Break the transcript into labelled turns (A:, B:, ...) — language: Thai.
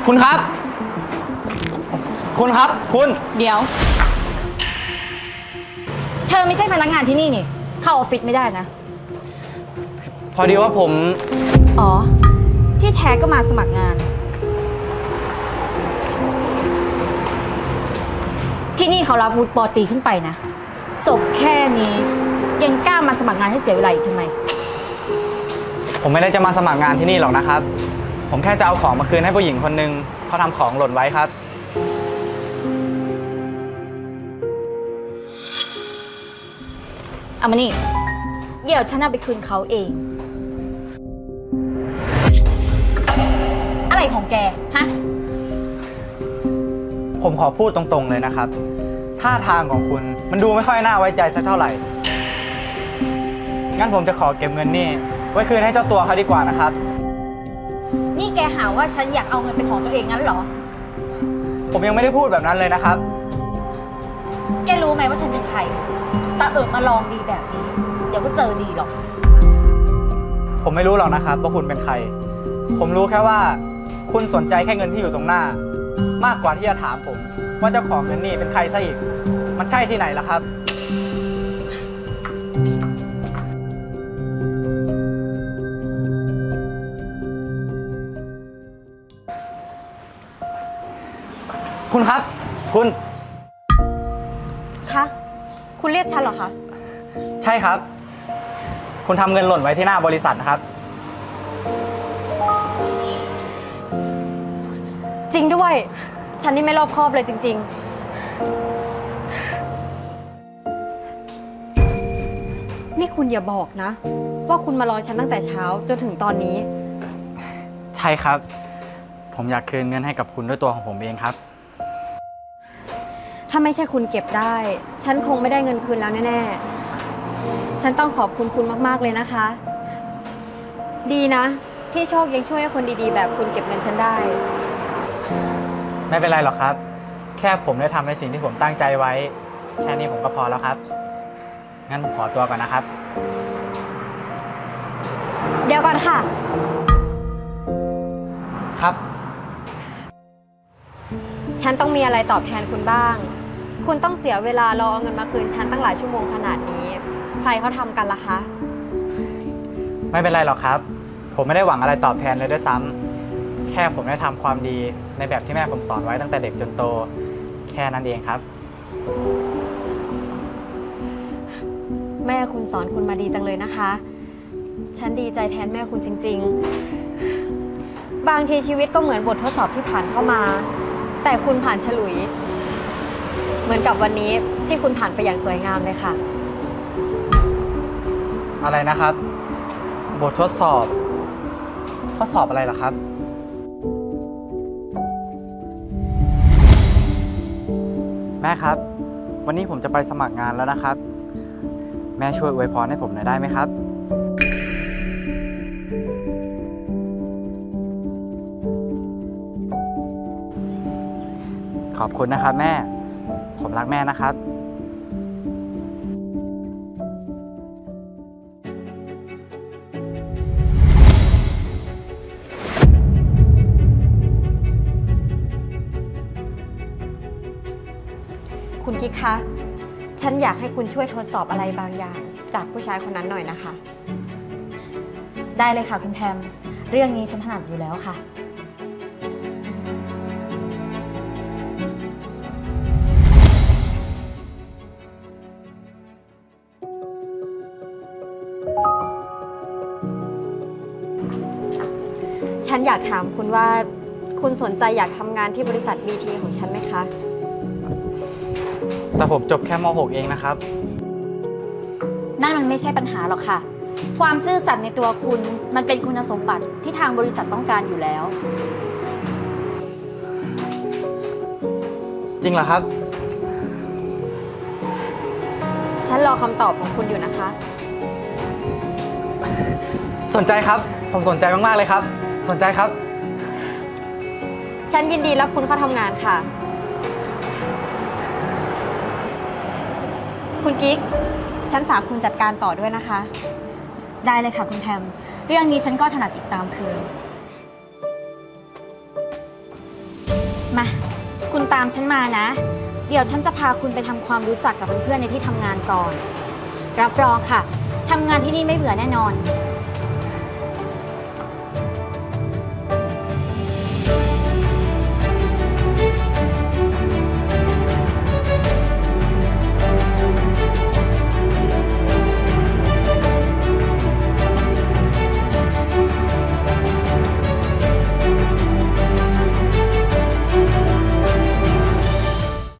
A: คุณครับ คุณครับ คุณ
B: เดี๋ยว เธอไม่ใช่พนักงานที่นี่นี่ เข้าออฟฟิศไม่ได้นะ
A: พอดีว่าผม
B: อ๋อ ที่แท้ก็มาสมัครงาน ที่นี่เขารับวุฒิป.ตรีขึ้นไปนะ จบแค่นี้ยังกล้ามาสมัครงานให้เสียเวลาอีกทำไม
A: ผมไม่ได้จะมาสมัครงานที่นี่หรอกนะครับ ผมแค่จะเอาของมาคืนให้ผู้หญิงคนหนึ่งเขาทำของหล่นไว้ครับ
B: เอามานี่ เดี๋ยวฉันเอาไปคืนเขาเอง อะไรของแก ฮะ
A: ผมขอพูดตรงๆเลยนะครับ ท่าทางของคุณมันดูไม่ค่อยน่าไว้ใจสักเท่าไหร่ งั้นผมจะขอเก็บเงินนี่ไว้คืนให้เจ้าตัวเขาดีกว่านะครับ
B: นี่แกหาว่าฉันอยากเอาเงินเป็นของตัวเองงั้นเหรอ
A: ผมยังไม่ได้พูดแบบนั้นเลยนะครับ
B: แกรู้ไหมว่าฉันเป็นใครตามาลองดีแบบนี้ เดี๋ยวก็เจอดีหรอก
A: ผมไม่รู้หรอกนะครับว่าคุณเป็นใคร ผมรู้แค่ว่า คุณสนใจแค่เงินที่อยู่ตรงหน้า มากกว่าที่จะถามผมว่าเจ้าของเงินนี่เป็นใครซะอีก มันใช่ที่ไหนล่ะครับ คุณครับ คุณ
C: คะ คุณเรียกฉันเหรอคะ
A: ใช่ครับ คุณทำเงินหล่นไว้ที่หน้าบริษัทนะครับ
C: จริงด้วย ฉันนี่ไม่รอบคอบเลยจริงๆ นี่คุณอย่าบอกนะ ว่าคุณมารอฉันตั้งแต่เช้าจนถึงตอนนี้
A: ใช่ครับ ผมอยากคืนเงินให้กับคุณด้วยตัวของผมเองครับ
C: ถ้าไม่ใช่คุณเก็บได้ ฉันคงไม่ได้เงินคืนแล้วแน่ๆ ฉันต้องขอบคุณคุณมากๆเลยนะคะ ดีนะ ที่โชคยังช่วยให้คนดีๆ แบบคุณเก็บเงินฉันได้
A: ไม่เป็นไรหรอกครับ แค่ผมได้ทำในสิ่งที่ผมตั้งใจไว้ แค่นี้ผมก็พอแล้วครับ งั้นผมขอตัวก่อนนะครับ
C: เดี๋ยวก่อนค่ะ
A: ครับ
C: ฉันต้องมีอะไรตอบแทนคุณบ้าง คุณต้องเสียเวลารอเอาเงินมาคืนฉันตั้งหลายชั่วโมงขนาดนี้ ใครเขาทำกันล่ะคะ
A: ไม่เป็นไรหรอกครับ ผมไม่ได้หวังอะไรตอบแทนเลยด้วยซ้ำแค่ผมได้ทำความดีในแบบที่แม่ผมสอนไว้ตั้งแต่เด็กจนโต แค่นั้นเองครับ
C: แม่คุณสอนคุณมาดีจังเลยนะคะ ฉันดีใจแทนแม่คุณจริงๆ บางทีชีวิตก็เหมือนบททดสอบที่ผ่านเข้ามา แต่คุณผ่านฉลุย เหมือนกับวันนี้ที่คุณผ่านไปอย่างสวยงามเลยค่ะ
A: อะไรนะครับ บททดสอบ ทดสอบอะไรเหรอครับ แม่ครับ วันนี้ผมจะไปสมัครงานแล้วนะครับ แม่ช่วยอวยพรให้ผมหน่อยได้ไหมครับ ขอบคุณนะครับแม่ ผมรักแม่นะครับ
C: คุณกิ๊กคะ ฉันอยากให้คุณช่วยทดสอบอะไรบางอย่าง จากผู้ชายคนนั้นหน่อยนะคะ
B: ได้เลยค่ะคุณแพม เรื่องนี้ฉันถนัดอยู่แล้วค่ะ
C: ฉันอยากถามคุณว่า คุณสนใจอยากทำงานที่บริษัท BT ของฉันไหมคะ
A: แต่ผมจบแค่ม .6 เองนะครับ
B: นั่นมันไม่ใช่ปัญหาหรอกค่ะ ความซื่อสัตย์ในตัวคุณมันเป็นคุณสมบัติที่ทางบริษัทต้องการอยู่แล้ว
A: จริงเหรอครับ
C: ฉันรอคำตอบของคุณอยู่นะคะ
A: สนใจครับ ผมสนใจมากๆเลยครับ สนใจครับ
C: ฉันยินดีรับคุณเข้าทำงานค่ะ คุณกิ๊ก ฉันฝากคุณจัดการต่อด้วยนะคะ
B: ได้เลยค่ะคุณแพม เรื่องนี้ฉันก็ถนัดอีกตามเคยมา คุณตามฉันมานะ เดี๋ยวฉันจะพาคุณไปทำความรู้จักกับเพื่อนๆในที่ทำงานก่อน รับรองค่ะ ทำงานที่นี่ไม่เบื่อแน่นอน
C: ค